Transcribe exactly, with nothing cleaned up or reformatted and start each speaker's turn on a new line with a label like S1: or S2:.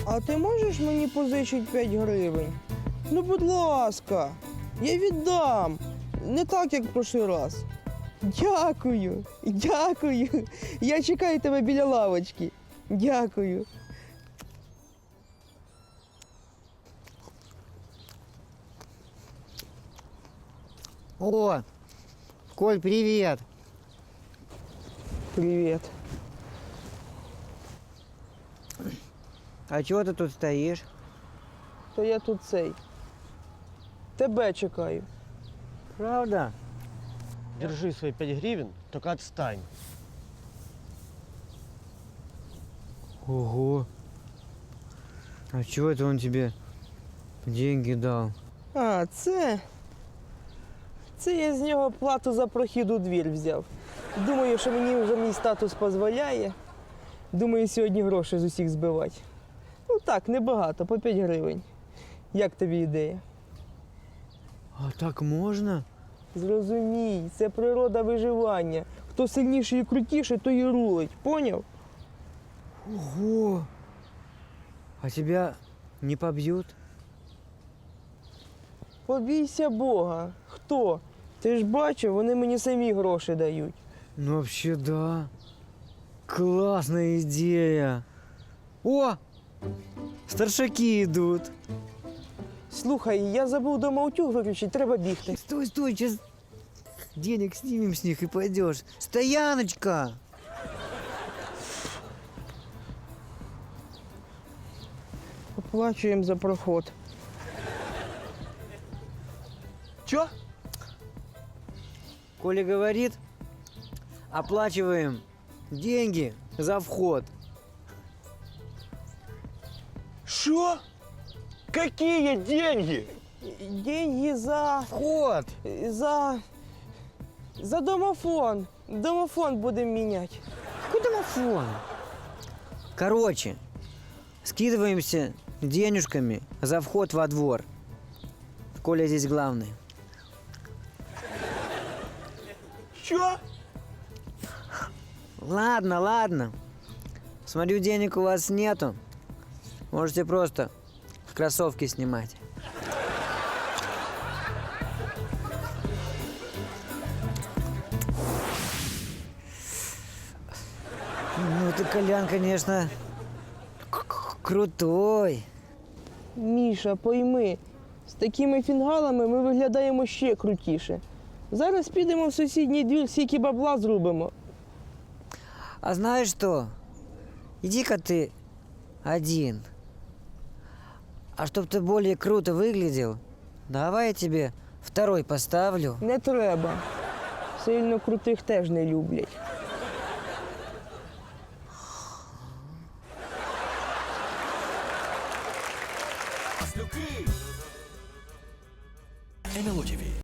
S1: А ти можеш мені позичити п'ять гривень? Ну, будь ласка, я віддам. Не так, як в прошлий раз. Дякую, дякую. Я чекаю тебе біля лавочки. Дякую.
S2: О, Коль, привет.
S1: Привіт.
S2: А чего ты тут стоишь?
S1: То я тут цей. Тебе чекаю.
S2: Правда?
S3: Держи свои пять гривен, только отстань.
S2: Ого. А чего это он тебе деньги дал?
S1: А, це. Це я з нього плату за прохід у двір взяв. Думаю, що мені вже мій статус дозволяє. Думаю, сьогодні гроші з усіх збивати. Ну так, небагато, по п'ять гривень. Як тобі ідея?
S2: А так можно?
S1: Зрозумій, це природа виживання. Хто сильніший і крутіший, то і рулить. Поняв?
S2: Ого. А тебя не побьют?
S1: Побійся Бога. Хто? Ти ж бачив, вони мені самі гроші дають.
S2: Ну вообще да. Классная идея. О! Старшаки идут.
S1: Слухай, я забув дома утюг виключити, треба бігти.
S2: Стой, стой, сейчас денег снимем с них и пойдешь. Стояночка!
S1: Оплачуємо за проход.
S3: Чё?
S2: Коля говорит, оплачиваем деньги за вход.
S3: Что? Какие деньги?
S1: Деньги за.
S2: Вход!
S1: за. за домофон. Домофон будемо міняти.
S2: Какой домофон? Короче, скидываемся денежками за вход во двор. Коля здесь главный.
S3: Чё?
S2: Ладно, ладно. Смотрю, денег у вас нету. Можете просто кроссовки снимать. Ну, ты, Колян, конечно, к- к- крутой.
S1: Міша, пойми, з такими фінгалами ми виглядаємо ще крутіше. Зараз підемо в сусідній двір, скільки бабла зробимо.
S2: А знаешь что? Иди-ка ты один. А чтоб ты более круто выглядел, давай я тебе второй поставлю.
S1: Не треба. Сильно крутих теж не люблять.
S4: эн ел о ті ві